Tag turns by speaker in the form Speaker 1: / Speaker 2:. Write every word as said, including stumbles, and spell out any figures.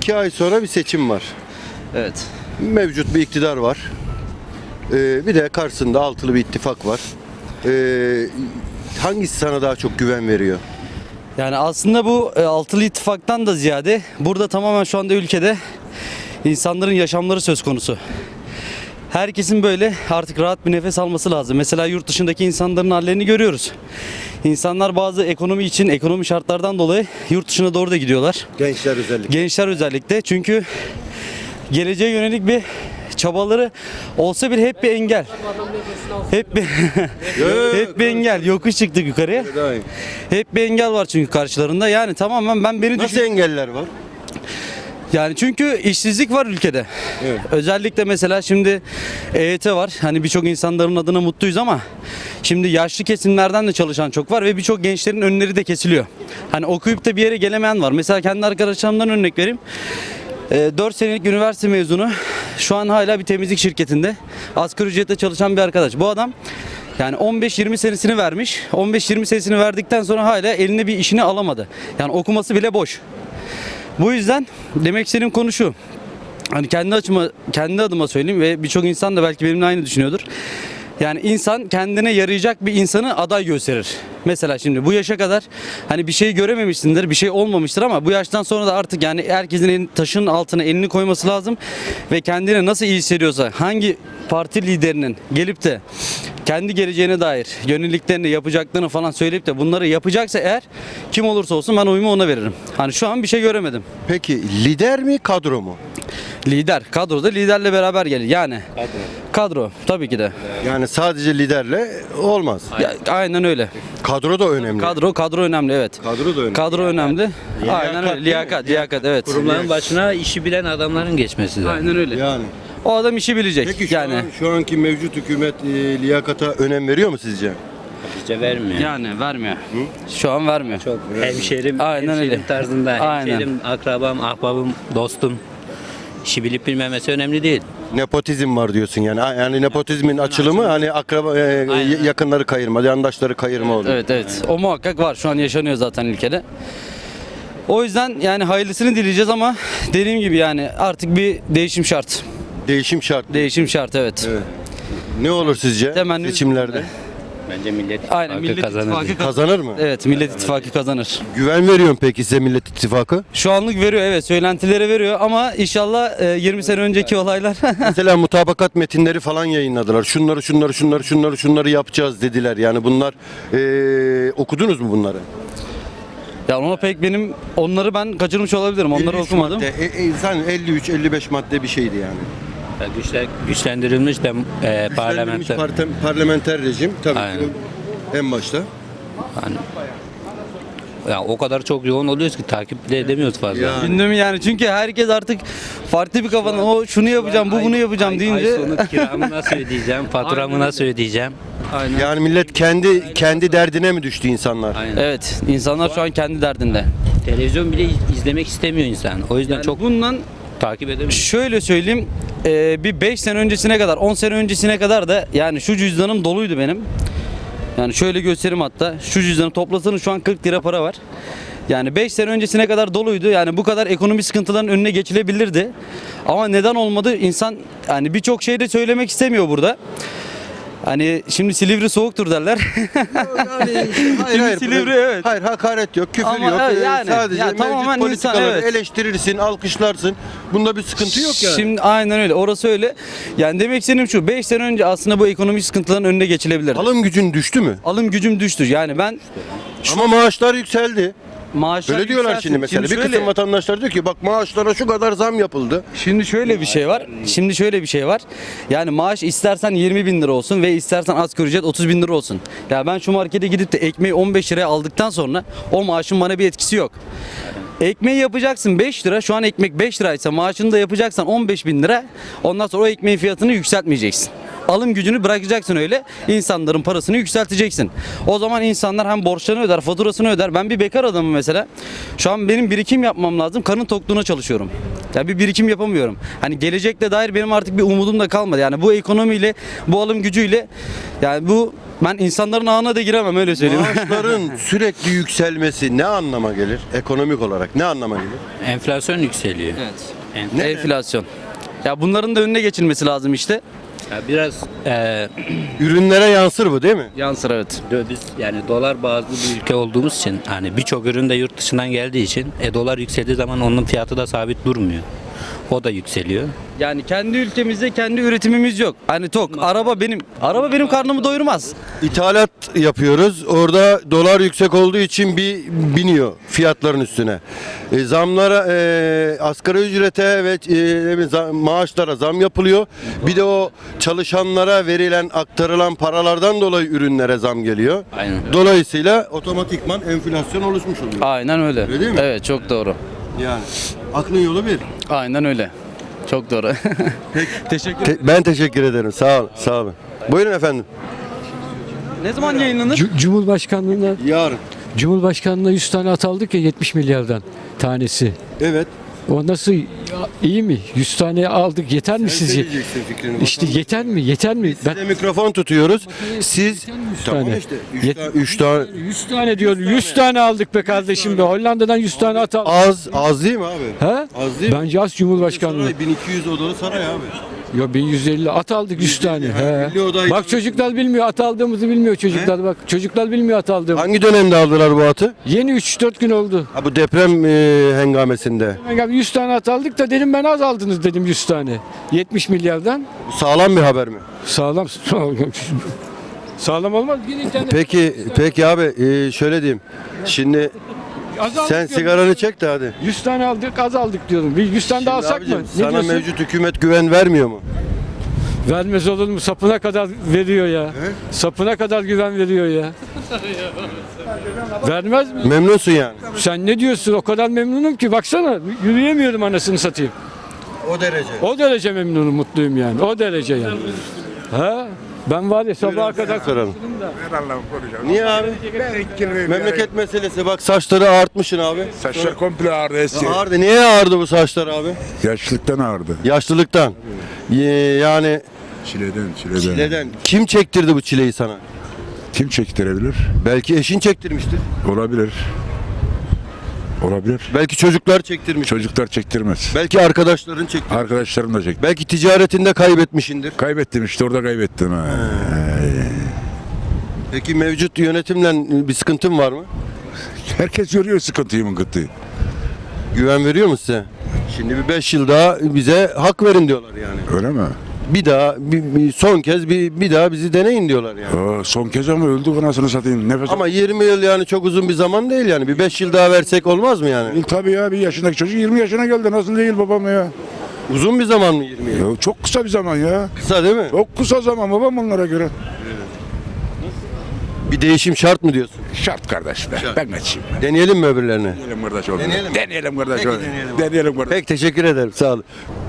Speaker 1: İki ay sonra bir seçim var.
Speaker 2: Evet.
Speaker 1: Mevcut bir iktidar var. Ee, bir de karşısında altılı bir ittifak var. Ee, hangisi sana daha çok güven veriyor?
Speaker 2: Yani aslında bu e, altılı ittifaktan da ziyade burada tamamen şu anda ülkede insanların yaşamları söz konusu. Herkesin böyle artık rahat bir nefes alması lazım. Mesela yurt dışındaki insanların hallerini görüyoruz. İnsanlar bazı ekonomi için, ekonomi şartlardan dolayı yurt dışına doğru da gidiyorlar.
Speaker 1: Gençler özellikle.
Speaker 2: Gençler özellikle, çünkü geleceğe yönelik bir çabaları olsa bile hep bir engel. Hep bir hep bir engel. Yokuş çıktık yukarıya. Hep bir engel var çünkü karşılarında. Yani tamamen ben beni
Speaker 1: Nasıl
Speaker 2: düşün.
Speaker 1: engeller var?
Speaker 2: Yani çünkü işsizlik var ülkede.
Speaker 1: Evet.
Speaker 2: Özellikle mesela şimdi E Y T var. Hani birçok insanların adına mutluyuz ama şimdi yaşlı kesimlerden de çalışan çok var ve birçok gençlerin önleri de kesiliyor. Hani okuyup da bir yere gelemeyen var. Mesela kendi arkadaşlarımdan örnek vereyim. dört senelik üniversite mezunu şu an hala bir temizlik şirketinde asgari ücretle çalışan bir arkadaş. Bu adam yani on beş yirmi senesini vermiş. on beş yirmi senesini verdikten sonra hala eline bir işini alamadı. Yani okuması bile boş. Bu yüzden demek istediğim konu şu. Hani kendi açıma, kendi adıma söyleyeyim ve birçok insan da belki benimle aynı düşünüyordur. Yani insan kendine yarayacak bir insanı aday gösterir. Mesela şimdi bu yaşa kadar hani bir şey görememişsindir, bir şey olmamıştır ama bu yaştan sonra da artık yani herkesin elini, taşın altına elini koyması lazım ve kendine nasıl iyi hissediyorsa, hangi parti liderinin gelip de kendi geleceğine dair yöneliklerini, yapacaklarını falan söyleyip de bunları yapacaksa eğer kim olursa olsun ben oyumu ona veririm. Hani şu an bir şey göremedim.
Speaker 1: Peki lider mi kadro mu?
Speaker 2: Lider, kadroda liderle beraber gelir. Yani kadro. Kadro tabii ki de.
Speaker 1: Yani sadece liderle olmaz.
Speaker 2: Ya, aynen öyle.
Speaker 1: Kadro da önemli.
Speaker 2: Kadro kadro önemli, evet.
Speaker 1: Kadro da önemli.
Speaker 2: Kadro önemli. Aynen
Speaker 1: Liyakat
Speaker 2: öyle.
Speaker 1: değil mi?
Speaker 2: Liyakat, liyakat, evet.
Speaker 3: Kurumların başına işi bilen adamların geçmesi lazım.
Speaker 2: Aynen öyle.
Speaker 1: Yani.
Speaker 2: O adam işi bilecek.
Speaker 1: Peki şu,
Speaker 2: yani
Speaker 1: an, şu anki mevcut hükümet e, liyakata önem veriyor mu sizce?
Speaker 3: Bizce vermiyor.
Speaker 2: yani vermiyor. Şu an vermiyor.
Speaker 3: Çok hemşerim,
Speaker 2: Aynen
Speaker 3: hemşerim
Speaker 2: öyle.
Speaker 3: tarzında.
Speaker 2: Aynen.
Speaker 3: Hemşerim, akrabam, ahbabım, dostum. İşi bilip bilmemesi önemli değil.
Speaker 1: Nepotizm var diyorsun yani. Ha, Yani nepotizmin açılımı hani akraba e,
Speaker 3: Aynen.
Speaker 1: yakınları kayırma, yandaşları kayırma oluyor.
Speaker 2: Evet evet. O muhakkak var. Şu an yaşanıyor zaten ülkede. O yüzden yani hayırlısını dileyeceğiz ama dediğim gibi yani artık bir değişim şart.
Speaker 1: Değişim şart.
Speaker 2: Değişim şart, evet.
Speaker 1: Evet. Ne olur sizce
Speaker 2: Temenni-
Speaker 1: seçimlerde?
Speaker 3: Bence Millet
Speaker 2: Aynen,
Speaker 3: İttifakı
Speaker 2: Millet
Speaker 3: kazanır.
Speaker 2: İttifakı
Speaker 3: diye.
Speaker 1: Kazanır mı?
Speaker 2: Evet, Millet İttifakı kazanır.
Speaker 1: Güven veriyorum peki size Millet İttifakı?
Speaker 2: Şu anlık veriyor, evet, söylentilere veriyor ama inşallah e, yirmi sene önceki olaylar
Speaker 1: Mesela mutabakat metinleri falan yayınladılar. Şunları şunları şunları şunları şunları yapacağız dediler. Yani bunlar e, okudunuz mu bunları?
Speaker 2: ya ona pek benim onları ben kaçırmış olabilirim. Onları
Speaker 1: elli üç
Speaker 2: okumadım.
Speaker 1: Madde, e, e, zaten elli üç elli beş madde bir şeydi yani.
Speaker 3: Güçler, güçlendirilmiş de e,
Speaker 1: Güçlendirilmiş
Speaker 3: parlamenter.
Speaker 1: partem- parlamenter rejim tabii
Speaker 3: Aynen.
Speaker 1: ki en başta.
Speaker 3: Yani, ya o kadar çok yoğun oluyoruz ki takip bile edemiyoruz fazla.
Speaker 1: Ya.
Speaker 2: Gündem yani, çünkü herkes artık farklı bir kafadan o şunu yapacağım, bu bunu yapacağım
Speaker 3: Ay-
Speaker 2: deyince.
Speaker 3: Ay sonu kiramı nasıl ödeyeceğim, faturamı nasıl ödeyeceğim?
Speaker 2: Aynen.
Speaker 1: Yani millet kendi kendi derdine mi düştü insanlar?
Speaker 3: Aynen.
Speaker 2: Evet, insanlar şu an kendi derdinde.
Speaker 3: Televizyon bile iz- izlemek istemiyor insan. O yüzden
Speaker 2: Yani
Speaker 3: çok
Speaker 2: bundan
Speaker 3: takip edemiyor.
Speaker 2: şöyle söyleyeyim, e, bir beş sene öncesine kadar, on sene öncesine kadar da yani şu cüzdanım doluydu benim. Yani şöyle göstereyim hatta. Şu cüzdanı toplasanız şu an kırk lira para var. Yani beş sene öncesine kadar doluydu. Yani bu kadar ekonomi sıkıntıların önüne geçilebilirdi. Ama neden olmadı? İnsan yani birçok şey de söylemek istemiyor burada. Hani şimdi Silivri soğuktur derler.
Speaker 1: Yani, hayır, hayır,
Speaker 2: Silivri,
Speaker 1: burada-
Speaker 2: evet.
Speaker 1: hayır hakaret yok, küfür
Speaker 2: Ama
Speaker 1: yok.
Speaker 2: evet,
Speaker 1: Ee,
Speaker 2: yani,
Speaker 1: sadece
Speaker 2: ya
Speaker 1: mevcut
Speaker 2: tamamen insan,
Speaker 1: politikaları
Speaker 2: evet.
Speaker 1: eleştirirsin, alkışlarsın. Bunda bir sıkıntı yok yani.
Speaker 2: Şimdi aynen öyle. Orası öyle. Yani demek istediğim şu. beş sene önce aslında bu ekonomik sıkıntıların önüne geçilebilirdi.
Speaker 1: Alım gücün düştü mü?
Speaker 2: Alım gücüm düştü. Yani ben
Speaker 1: Ama maaşlar yükseldi.
Speaker 2: maaşlar
Speaker 1: Öyle diyorlar
Speaker 2: yükselsin.
Speaker 1: şimdi mesela. bir
Speaker 2: şöyle-
Speaker 1: kısım vatandaşlar diyor ki bak maaşlara şu kadar zam yapıldı.
Speaker 2: Şimdi şöyle bir şey var. Şimdi şöyle bir şey var. Yani maaş istersen yirmi bin lira olsun ve istersen asgari ücret otuz bin lira olsun. Ya ben şu markete gidip de ekmeği on beş liraya aldıktan sonra o maaşın bana bir etkisi yok. Ekmeği yapacaksın beş lira. Şu an ekmek beş liraysa maaşını da yapacaksan on beş bin lira. Ondan sonra o ekmeğin fiyatını yükseltmeyeceksin. Alım gücünü bırakacaksın öyle. İnsanların parasını yükselteceksin. O zaman insanlar hem borçlarını öder, faturasını öder. Ben bir bekar adamım mesela. Şu an benim birikim yapmam lazım. Karın tokluğuna çalışıyorum. Ya bir birikim yapamıyorum. Hani gelecekle dair benim artık bir umudum da kalmadı. Yani bu ekonomiyle, bu alım gücüyle yani bu ben insanların ağına da giremem öyle söyleyeyim.
Speaker 1: Maaşların sürekli yükselmesi ne anlama gelir? Ekonomik olarak ne anlama gelir?
Speaker 3: Enflasyon yükseliyor.
Speaker 2: Evet.
Speaker 3: Enf-
Speaker 2: Enflasyon. Ya bunların da önüne geçilmesi lazım işte.
Speaker 3: Ya biraz e,
Speaker 1: Ürünlere yansır bu değil mi?
Speaker 2: Yansır evet.
Speaker 3: dö- biz yani dolar bazlı bir ülke olduğumuz için hani birçok ürün de yurt dışından geldiği için e, dolar yükseldiği zaman onun fiyatı da sabit durmuyor. O da yükseliyor.
Speaker 2: Yani kendi ülkemizde kendi üretimimiz yok. Hani tok. Araba benim araba benim karnımı doyurmaz.
Speaker 1: İthalat yapıyoruz. Orada dolar yüksek olduğu için bir biniyor fiyatların üstüne. E, zamlara, e, asgari ücrete ve e, ne bileyim, zam- maaşlara zam yapılıyor. Bir de o çalışanlara verilen, aktarılan paralardan dolayı ürünlere zam geliyor.
Speaker 3: Aynen.
Speaker 1: Dolayısıyla otomatikman enflasyon oluşmuş oluyor.
Speaker 2: Aynen öyle.
Speaker 1: Öyle değil mi?
Speaker 2: Evet çok doğru.
Speaker 1: Yani aklın yolu bir.
Speaker 2: Aynen öyle. Çok doğru. Teşekkür
Speaker 1: Te- ben teşekkür ederim. Sağ olun. Sağ olun. Buyurun efendim.
Speaker 2: Ne zaman yayınlanır?
Speaker 4: Cu- Cumhurbaşkanlığına
Speaker 1: Yarın.
Speaker 4: Cumhurbaşkanlığına yüz tane at aldık ya yetmiş milyardan tanesi.
Speaker 1: Evet.
Speaker 4: O nasıl iyi mi? yüz tane aldık yeter mi sizce?
Speaker 1: Söyleyeceksin fikrini.
Speaker 4: İşte yeter mi? Yeter mi?
Speaker 1: Biz size mikrofon tutuyoruz. Siz tamam
Speaker 4: tane.
Speaker 1: işte üç
Speaker 4: Yet-
Speaker 1: tane, üç tane
Speaker 4: yüz tane diyor. yüz tane aldık be kardeşim be. Hollanda'dan yüz tane at aldık.
Speaker 1: az az değil mi abi?
Speaker 4: Ha?
Speaker 1: Az değil mi?
Speaker 4: Bence az Cumhurbaşkanlığı.
Speaker 1: Saray bin iki yüz odalı saray abi.
Speaker 4: Yo bin yüz elli at aldık yüz tane.
Speaker 1: ha,
Speaker 4: He.
Speaker 1: milli odayı-
Speaker 4: Bak çocuklar bilmiyor at aldığımızı bilmiyor çocuklar bak. Çocuklar bilmiyor at aldığımızı.
Speaker 1: Hangi dönemde aldılar bu atı?
Speaker 4: Yeni üç dört gün oldu.
Speaker 1: Ha, bu deprem e, hengamesinde.
Speaker 4: Ben yüz tane at aldık da dedim ben az aldınız dedim yüz tane. yetmiş milyardan.
Speaker 1: Bu sağlam bir haber mi?
Speaker 4: Sağlam. Sağlam olmaz. Bir internet.
Speaker 1: Peki peki abi e, şöyle diyeyim. Şimdi
Speaker 4: Az aldık
Speaker 1: sen
Speaker 4: diyorum.
Speaker 1: sigaranı çek de hadi.
Speaker 4: yüz tane aldık az aldık diyorum. Bir yüz tane daha
Speaker 1: Şimdi
Speaker 4: alsak
Speaker 1: abicim,
Speaker 4: mı? Ne
Speaker 1: sana
Speaker 4: diyorsun?
Speaker 1: mevcut hükümet güven vermiyor mu?
Speaker 4: Vermez olur mu? Sapına kadar veriyor ya. Sapına kadar güven veriyor ya. Vermez mi?
Speaker 1: Memnunsun yani.
Speaker 4: Sen ne diyorsun? O kadar memnunum ki baksana yürüyemiyorum anasını satayım.
Speaker 1: O derece.
Speaker 4: O derece memnunum, mutluyum yani. O derece yani. Ha? Ben var ya sabaha kadar
Speaker 1: soralım. Niye abi? Memleket meselesi. Bak saçları ağartmışsın abi.
Speaker 5: Saçlar komple ağrı eski.
Speaker 1: Ağırdı. Niye ağırdı bu saçlar abi?
Speaker 5: Yaşlılıktan ağrıdı.
Speaker 1: Yaşlılıktan. Ye- Yani
Speaker 5: Çileden, çileden.
Speaker 1: çileden. Kim çektirdi bu çileyi sana?
Speaker 5: Kim çektirebilir?
Speaker 1: Belki eşin çektirmiştir.
Speaker 5: Olabilir. Olabilir.
Speaker 1: Belki çocuklar çektirmiş.
Speaker 5: Çocuklar çektirmez.
Speaker 1: Belki arkadaşların çektirmiş.
Speaker 5: Arkadaşlarım da çekti.
Speaker 1: Belki ticaretinde kaybetmişindir.
Speaker 5: Kaybettim işte orada kaybettim. Ha.
Speaker 1: Peki mevcut yönetimle bir sıkıntın var mı?
Speaker 5: Herkes görüyor sıkıntıyı mınkıntıyı.
Speaker 1: Güven veriyor mu size? Şimdi bir beş yıl daha bize hak verin diyorlar yani.
Speaker 5: Öyle mi?
Speaker 1: Bir daha, bir, bir son kez bir, bir daha bizi deneyin diyorlar yani.
Speaker 5: Aa, son kez ama öldü anasını satayım. Nefes
Speaker 1: Ama yirmi yıl yani çok uzun bir zaman değil yani. Bir beş yıl daha versek olmaz mı yani?
Speaker 5: Tabii ya bir yaşındaki çocuk yirmi yaşına geldi. Nasıl değil babam ya?
Speaker 1: Uzun bir zaman mı yirmi yıl?
Speaker 5: Ya çok kısa bir zaman ya.
Speaker 1: Kısa değil mi?
Speaker 5: Çok kısa zaman babam onlara göre.
Speaker 1: Bir değişim şart mı diyorsun?
Speaker 5: Şart kardeş be. Ben geçeyim.
Speaker 1: Deneyelim mi öbürlerini?
Speaker 5: Deneyelim kardeş oğlum.
Speaker 1: Deneyelim mi?
Speaker 5: Deneyelim kardeş
Speaker 1: Peki,
Speaker 5: oğlum.
Speaker 1: deneyelim.
Speaker 5: Deneyelim kardeş.
Speaker 1: Pek teşekkür ederim. Sağ olun.